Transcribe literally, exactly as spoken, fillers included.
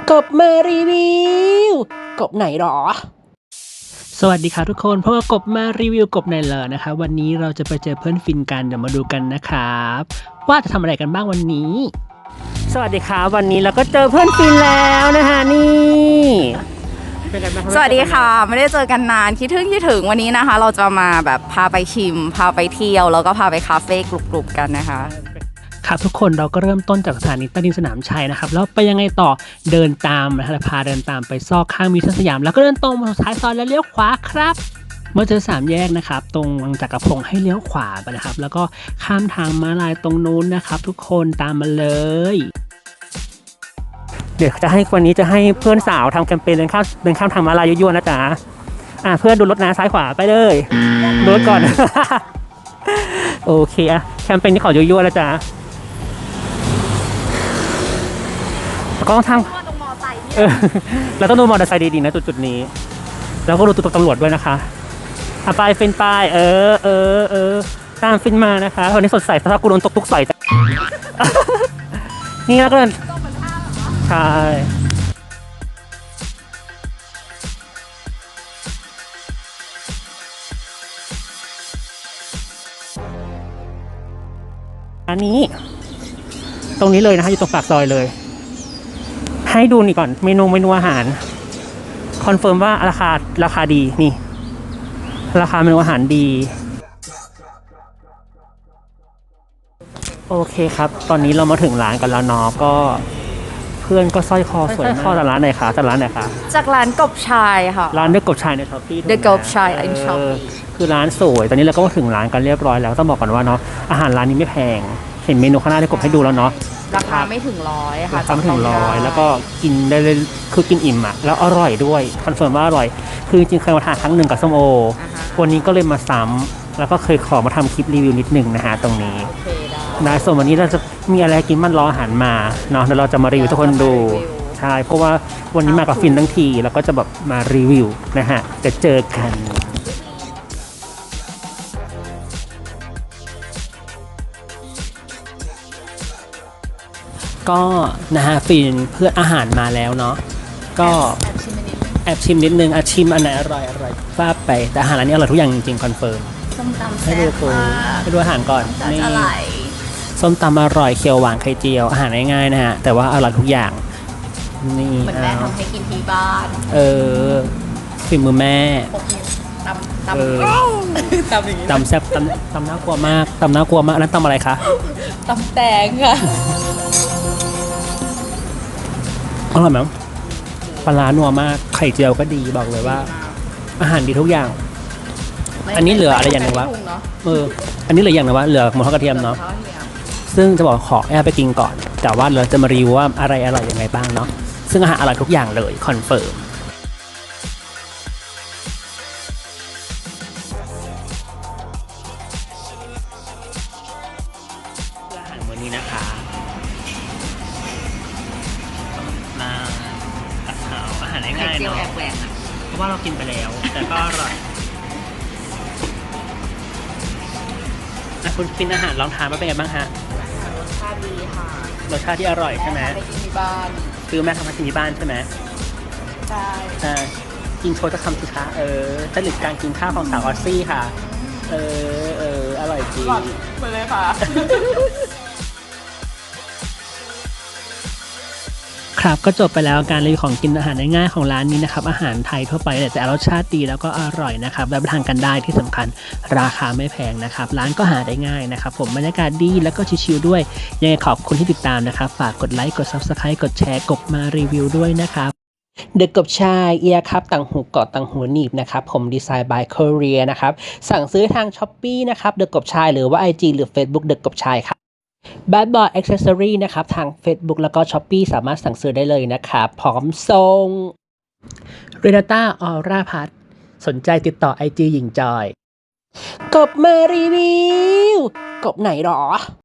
กบมารีวิวกบไหนหรอสวัสดีค่ะทุกคนเพราะว่ากบมารีวิวกบไหนเหรอนะคะวันนี้เราจะไปเจอเพื่อนฟินกันเดี๋ยวมาดูกันนะครับว่าจะทำอะไรกันบ้างวันนี้สวัสดีครับวันนี้เราก็เจอเพื่อนฟินแล้วนะคะนี่สวัสดีค่ะไม่ได้เจอกันนานคิดถึงคิดถึงวันนี้นะคะเราจะมาแบบพาไปชิมพาไปเที่ยวแล้วก็พาไปคาเฟ่กรุบๆกันนะคะครับทุกคนเราก็เริ่มต้นจากสถานีใต้ดินสนามชัยนะครับแล้วไปยังไงต่อเดินตามนะฮะพาเดินตามไปซอกข้างมิวเซียมสยามแล้วก็เดินตรงมาท้ายซอยแล้วเลี้ยวขวาครับเมื่อเจอสามแยกนะครับตรงวังจักรพงศ์ให้เลี้ยวขวาไปนะครับแล้วก็ข้ามทางม้าลายตรงนู้นนะครับทุกคนตามมาเลยเดี๋ยวจะให้วันนี้จะให้เพื่อนสาวทำแคมเปญเดินข้ามเดินข้ามทางม้าลายยั่วๆนะจ๊ะอ่ะเพื่อนดูรถนะซ้ายขวาไปเลยดูรถก่อน โอเคอะแคมเปญนี้ขอยั่วๆแล้วจ้ะก็ต้องทำเออเราต้องดูมอเตอร์ไซค์ดีๆนะจุดๆนี้แล้วก็ดูตัวตำรวจด้วยนะคะอ่ะไปฟินไปเออเออเออตามฟินมานะคะวันนี้สดใสถ้ากูโดนตกทุกใส่จ้ะ นี่แล้วก็ใช่อันนี้ตรงนี้เลยนะคะอยู่ตรงปากซอยเลยให้ดูนี่ก่อนเมนูเมนูอาหารคอนเฟิร์มว่าราคาราคาดีนี่ราคาเมนูอาหารดีโอเคครับตอนนี้เรามาถึงร้านกันแล้วเนาะก็เพื่อนก็สร้อยคอสวยมากสร้อยคอจากร้านไหนคะจากร้านไหนคะจากร้านกบชายค่ะร้านเดอะกบชายในช้อปปี้ The กบชาย in Shopee คือร้านสวยตอนนี้เราก็มาถึงร้านกันเรียบร้อยแล้วต้องบอกก่อนว่าเนาะอาหารร้านนี้ไม่แพงเห็นเมนูข้างหน้าที่กบให้ดูแล้วเนาะราคาไม่ถึงร้อยค่ะราคาไม่ถึงร้อยแล้วก็กินได้เลยคือกินอิ่มอ่ะแล้วอร่อยด้วยคอนเฟิร์มว่าอร่อยคือจริงๆเคยมาทานครั้งหนึ่งกับส้มโอวันนี้ก็เลยมาซ้ำแล้วก็เคยขอมาทำคลิปรีวิวนิดนึงนะฮะตรงนี้นะส่วนวันนี้เราจะมีอะไรกินมันรออาหารมาเนาะเดี๋ยวเราจะมารีวิวทุกคนดูใช่เพราะว่าวันนี้มากับฟินทั้งทีแล้วก็จะแบบมารีวิวนะฮะจะเจอกันก็นะฮะฟินเพื่ออาหารมาแล้วเนาะก็แอบชิมนิดนึงอาชิมอันไหนอร่อยอร่อยฟาดไปแต่อาหารร้านนี้อร่อยทุกอย่างจริงๆคอนเฟิร์มส้มตำให้ดูตัวให้ดูอาหารก่อนนี่อร่อยส้มตำอร่อยเคียวหวานไข่เจียวอาหารง่ายๆนะฮะแต่ว่าอร่อยทุกอย่างนี่เหมือนแม่ทำให้กินที่บ้านเออฝีมือแม่ตำตำตำอย่างนี้ตำแซ่บตำตำน่ากลัวมากตำน่ากลัวมากอันนั้นตำอะไรคะตำแตงค่ะอร่อยไหมปลาร้านัวมากไข่เจียวก็ดีบอกเลยว่าอาหารดีทุกอย่างอันนี้เหลืออะไรอย่างหนึ่งวะเอออันนี้เหลืออย่างหนึ่งวะเหลือหมูทอดกระเทียมเนาะซึ่งจะบอกขอแอบไปกินก่อนแต่ว่าเราจะมารีวิวว่าอะไรอร่อยยังไงบ้างเนาะซึ่งอาหารอร่อยทุกอย่างเลยคอนเฟิร์มอาหารมื้อนี้นะคะมาตัดขาวอาหารง่ายๆเนาะเพราะว่าเรากินไปแล้วแต่ก็อร่อยคุณฟินอาหารลองทานมาเป็นไงบ้างฮะรสชาติดีค่ะรสชาติที่อร่อยใช่ไหมไปกินที่บ้านคือแม่ทำมากินที่บ้านใช่ไหมใช่อ่ากินโชว์จะคำสิคะเออจริตการกินข้าวของสาวออสซี่ค่ะเออเอออร่อยจริงไปเลยค่ะครับก็จบไปแล้วการรีวิวของกินอาหารง่ายๆของร้านนี้นะครับอาหารไทยทั่วไปแต่รสชาติดีแล้วก็อร่อยนะครับแล้วไปทานกันได้ที่สำคัญราคาไม่แพงนะครับร้านก็หาได้ง่ายนะครับผมบรรยากาศดีแล้วก็ชิลๆด้วยยังไงขอบคุณที่ติดตามนะครับฝากกดไลค์กด ซับสไครบ์ กดแชร์กบมารีวิวด้วยนะครับเดอะกบชายเอียครับต่างหูเกาะต่างหูหนีบนะครับผมดีไซน์ by Korea นะครับสั่งซื้อทาง Shopee นะครับเดอะกบชายหรือว่า ไอ จี หรือ Facebook เดอะกบชายครับBad Boy Accessory นะครับทาง Facebook แล้วก็ Shopee สามารถสั่งซื้อได้เลยนะครับพร้อมส่ง Renata Auraพัทสนใจติดต่อ ไอ จี หญิงจอยกบมารีวิวกบไหนหรอ